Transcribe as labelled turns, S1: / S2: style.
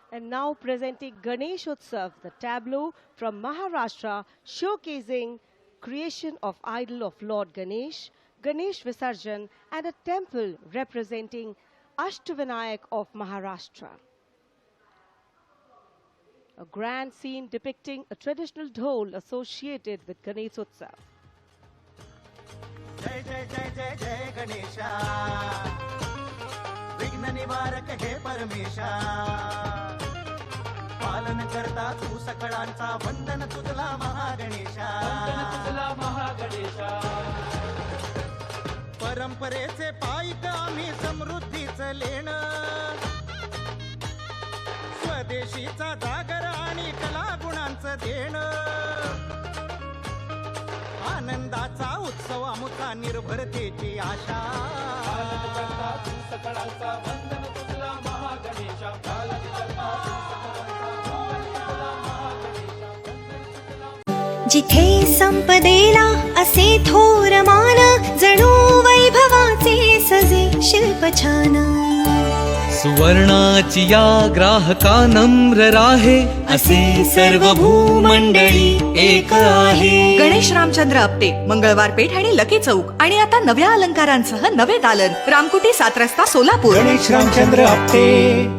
S1: And now presenting Ganesh Utsav, the tableau from Maharashtra showcasing creation of idol of Lord Ganesh, Ganesh Visarjan, and a temple representing Ashtavinayak of Maharashtra. A grand scene depicting a traditional dhol associated with Ganesh Utsav.
S2: जय जय जय जय जय गणेशा विघ्न निवारक हे परमेशा पालन करता तू सकळांचा वंदन तुझला महागणेशा परंपरेचे पायिक आम्ही समृद्धीचं लेण स्वदेशीचा जागर आणि कला गुणांचं देणं आनंदाचा उत्सव आमुचा निर्भरतेची आशा
S3: जिथे संपदेला असे थोर मान जणू वैभवाचे सजे शिल्प छान
S4: सुवर्णाची या ग्राहका नम्र राहे असे सर्व भूमंडळी एक आहे.
S5: गणेश रामचंद्र आपटे, मंगळवार पेठ आणि लकी चौक आणि आता नव्या अलंकारांसह नवे दालन, रामकुटी 7 रस्ता सोलापूर.
S2: गणेश रामचंद्र आपटे.